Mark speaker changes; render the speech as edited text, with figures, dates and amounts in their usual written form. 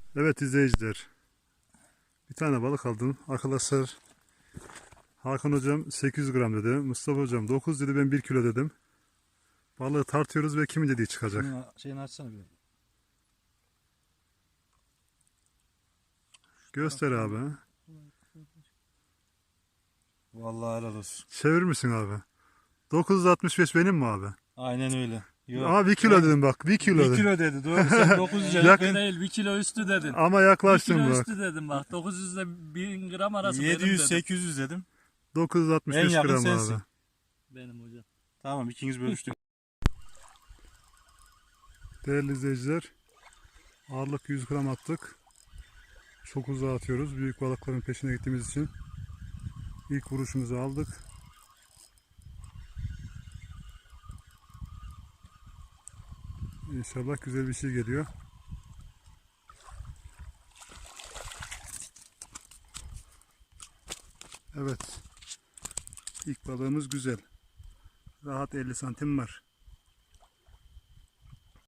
Speaker 1: Evet izleyiciler. Bir tane balık aldım. Arkadaşlar Hakan hocam 800 gram dedi. Mustafa hocam 9 dedi, ben 1 kilo dedim. Balığı tartıyoruz ve kimin dediği çıkacak.
Speaker 2: Şunu şeyini açsana bir.
Speaker 1: Göster abi.
Speaker 2: Vallahi helal olsun.
Speaker 1: Çevir misin abi? 965 benim mi abi?
Speaker 2: Aynen öyle. Yok.
Speaker 1: Ama 1 kilo dedim bak. 1 kilo
Speaker 2: 1
Speaker 1: dedim.
Speaker 2: kilo dedi. Doğru. Sen 900 dedin.
Speaker 1: Yakın.
Speaker 3: Değil 1 kilo üstü dedin.
Speaker 1: Ama
Speaker 3: 1
Speaker 1: yaklaştım
Speaker 3: kilo
Speaker 1: bak.
Speaker 3: üstü dedim bak. 900 ile 1000 gram arası benim
Speaker 2: 700
Speaker 3: dedim.
Speaker 2: 800 dedim.
Speaker 1: 965
Speaker 2: En yakın
Speaker 1: gram
Speaker 2: sensin.
Speaker 1: abi.
Speaker 3: Benim hocam.
Speaker 2: Tamam ikiniz bölüştük.
Speaker 1: Değerli izleyiciler, ağırlık 100 gram attık. Çok uzağa atıyoruz. Büyük balıkların peşine gittiğimiz için. İlk vuruşumuzu aldık. İnşallah güzel bir şey geliyor. Evet. İlk balığımız güzel. Rahat 50 santim var.